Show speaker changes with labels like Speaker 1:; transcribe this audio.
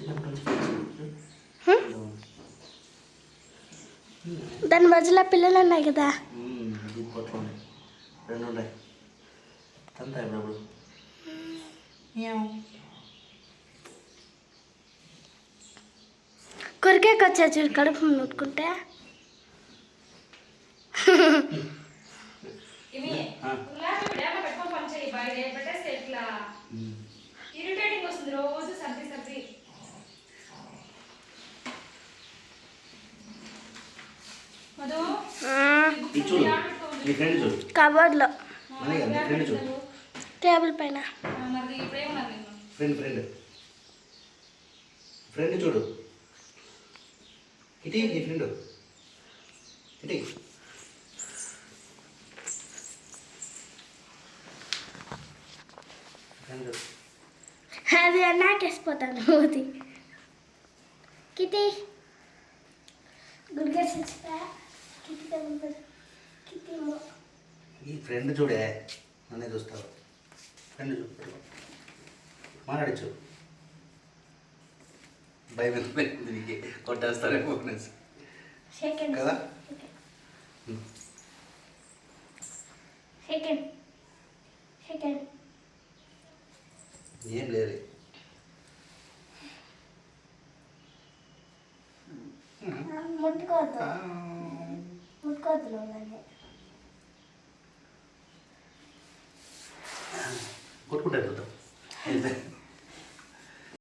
Speaker 1: దాని మధ్యలో పిల్లలు ఉన్నాయి కదా.
Speaker 2: రెండు ఉన్నాయి అంతా ఇప్పుడు
Speaker 1: కొరికేకి వచ్చా చూడు కడుపు ముట్టుకుంటే. కబోర్డ్లో టేబుల్ పైన
Speaker 2: ఫ్రెండ్ చూడు ఇటీ నీ ఫ్రెండ్ ఇటీ
Speaker 1: అది నాకేసిపోతాను అది కిటీ గుడ్గా కిటీ
Speaker 2: ఈ ఫ్రెండ్ చూడే నన్నే చూస్తావు ఫ్రెండ్ చూడు మాట్లాడచ్చు భయం దీనికి కొట్టేస్తారేమో కదా. ఏం లేదు
Speaker 1: ముట్టుకోవద్దు
Speaker 2: కొట్టుకుంటారు చూద్దాం